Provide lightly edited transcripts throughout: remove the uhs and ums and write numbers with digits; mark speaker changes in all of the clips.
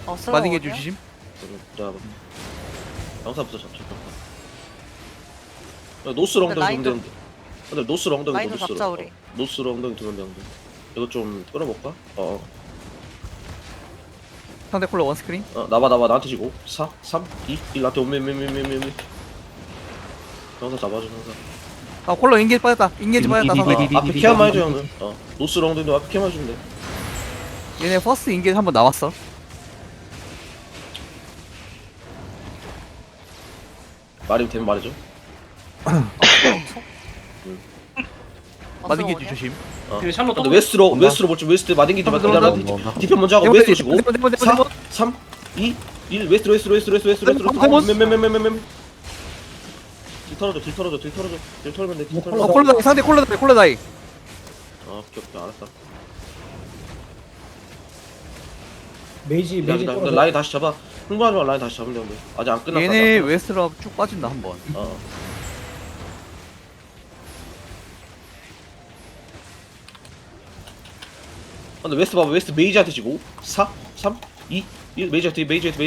Speaker 1: 빠지게 주심.
Speaker 2: 내가 영사부터 잡자. 노스로 엉덩이 두면 되는데. 근데 노스로 엉덩이
Speaker 3: 라인도
Speaker 2: 노스로.
Speaker 3: 잡자, 우리.
Speaker 2: 노스로 엉덩이 두면 되는데. 이거 좀 끌어볼까?
Speaker 1: 상대 콜러 원 스크린.
Speaker 2: 나봐 나한테 지고 4, 3, 2, 1 나한테 오메 형사 잡아줘 형사.
Speaker 1: 아 콜러 인게이지 빠졌다. 인게이지 빠졌다. 상대.
Speaker 2: 앞에 케어만 해줘 형은. 노스로 엉덩이도 앞에 케어만 해주면 돼.
Speaker 1: 얘네 퍼스트 인게이지 한번 나왔어.
Speaker 2: 말이 되면 말해줘.
Speaker 1: 빠지게 주심.
Speaker 4: 그 샬롯
Speaker 2: 근데 웨스트로 볼지 웨스트 마딩기지 마딩기지 디펜 먼저 하고 웨스트로 치고 4, 3, 2, 1 웨스트로 딜 털어줘 딜 털면 돼딜 털면 돼.
Speaker 1: 콜러 다이 상대 콜러 다이.
Speaker 2: 오케이 알았어.
Speaker 5: 메이지
Speaker 2: 근데 라인 다시 잡아. 흥분하지 마. 라인 다시 잡으면 되는데 아직 안 끝났다.
Speaker 1: 얘네 웨스트로 쭉 빠진다 한 번.
Speaker 2: 근데 웨스트 봐봐. 웨스트 메이지한테 지고 4, 3, 2, 1 메이지한테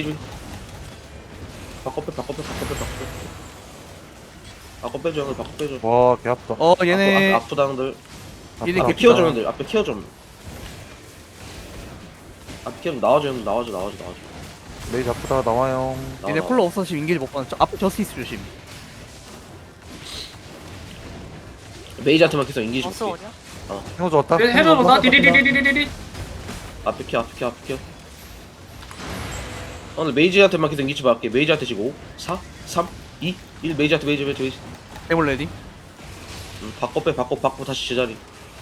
Speaker 2: 바꿔 빼줘 형을 바꿔 빼줘.
Speaker 6: 와, 개 아프다.
Speaker 1: 얘네
Speaker 2: 아프다 형들.
Speaker 1: 얘네
Speaker 2: 앞에
Speaker 1: 개피.
Speaker 2: 키워 좀 형들. 앞에 키워 좀. 앞에 키워 좀 나와줘 형들. 나와줘.
Speaker 6: 메이 아프다, 나와요.
Speaker 1: 얘네 콜러 없어 지금 인게이지 못 받는. 앞에 저스티스 조심.
Speaker 2: 메이지한테만 계속 인기지
Speaker 3: 버스
Speaker 2: 볼게.
Speaker 3: 오냐?
Speaker 6: 형도 왔다.
Speaker 4: 해줘놓다 디디디디디디디.
Speaker 2: 앞에 키워. 오늘 메이지한테만 계속 인기지 받게. 메이지한테 지고 4, 3, 2, 1 메이지.
Speaker 1: 데몰 레디.
Speaker 2: 바꿔 다시 제자리.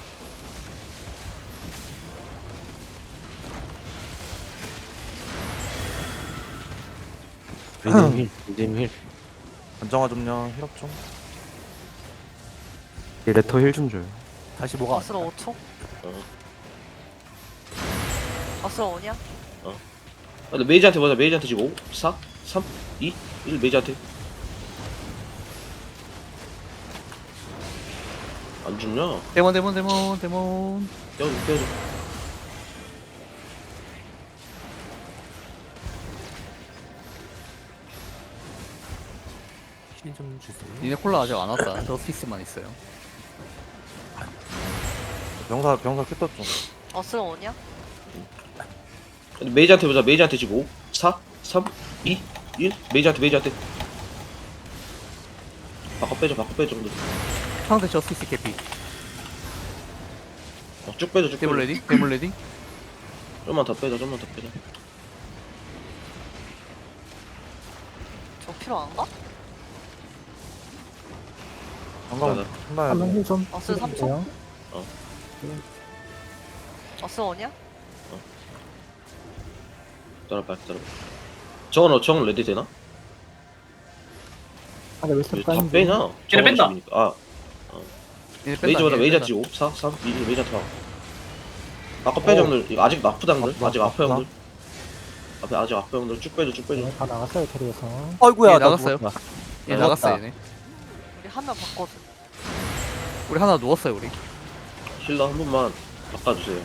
Speaker 7: 힐.
Speaker 6: 안정화 좀요, 힐업 좀.
Speaker 7: 얘 레터 힐 좀 줘요.
Speaker 1: 다시 뭐가
Speaker 3: 버스로 5초? 버스로 오냐?
Speaker 2: 근데 메이지한테 보자. 메이지한테 지고 4, 3, 2, 1 메이지한테. 안 죽냐?
Speaker 1: 데몬.
Speaker 2: 깨워줘.
Speaker 7: 힐좀 주세요.
Speaker 1: 얘네 콜러 아직 안 왔다. 저스티스만 있어요.
Speaker 6: 병사 큐터 좀.
Speaker 3: 버스로 오냐?
Speaker 2: 근데 메이지한테 보자. 메이지한테 지고 4, 3, 2, 1 메이지한테. 바꿔 빼줘 정도.
Speaker 1: 상대 저스티스 개피.
Speaker 2: 쭉 빼줘.
Speaker 1: 데몰 레디.
Speaker 2: 좀만 더 빼자.
Speaker 3: 저 필요한가?
Speaker 6: 방금 혼나야 돼.
Speaker 5: 한명힐좀
Speaker 3: 버스 3초? 버스 오냐?
Speaker 2: 기다려봐. 저건 레디 되나?
Speaker 5: 아래 웨스트
Speaker 2: 왜 다
Speaker 5: 라인
Speaker 2: 빼냐?
Speaker 4: 걔네 뺀다.
Speaker 1: 얘네
Speaker 2: 메이지보다
Speaker 1: 얘네
Speaker 2: 메이지
Speaker 1: 뺀다.
Speaker 2: 지고 4, 3, 2, 1 메이지한테 봐. 아까 빼자 형들. 이거 아직 아프다 형들. 아직 아파 형들. 아직 아파 형들. 쭉 빼줘.
Speaker 5: 다 나갔어요 테리에서.
Speaker 6: 아이고야,
Speaker 1: 얘 나갔어요. 얘
Speaker 6: 나갔다.
Speaker 1: 나갔어 얘네.
Speaker 3: 우리 한 명 바꿔줘.
Speaker 1: 우리 하나 누웠어요 우리.
Speaker 2: 힐러 한 번만 바꿔주세요.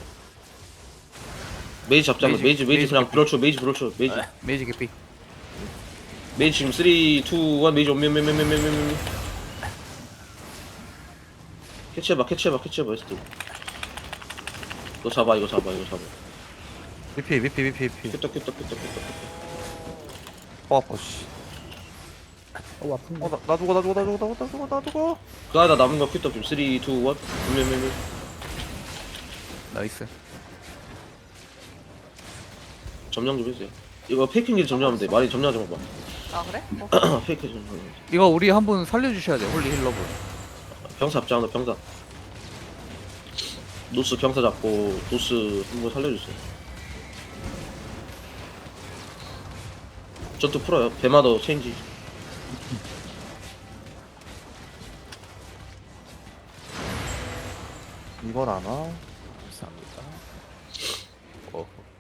Speaker 2: 메이지 잡자.
Speaker 1: 메이지
Speaker 2: 메이지 그냥 브롤쳐. 메이지.
Speaker 1: 메이지 개피.
Speaker 2: 메이지 지금 3, 2, 1 메이지 오면 캐치해봐 에스트. 이거 잡아.
Speaker 6: VP.
Speaker 2: 큐떡.
Speaker 6: 아파, 씨.
Speaker 5: 아픈데.
Speaker 6: 나 죽어.
Speaker 2: 그 하나 남은 거 큐떡 지금 3, 2, 1 오면
Speaker 1: 나이스.
Speaker 2: 점령 좀 해주세요. 이거 페이킹 점령하면 돼. 많이 점령하지 마봐.
Speaker 3: 아 그래?
Speaker 2: 페이크 점령.
Speaker 1: 이거 우리 한 분 살려주셔야 돼. 홀리 힐러분.
Speaker 2: 병사 잡자. 병사. 노스 병사 잡고 노스 한 번 살려주세요. 전투 풀어요. 배마더 체인지.
Speaker 6: 이건 안 와.
Speaker 7: 감사합니다.
Speaker 1: 어.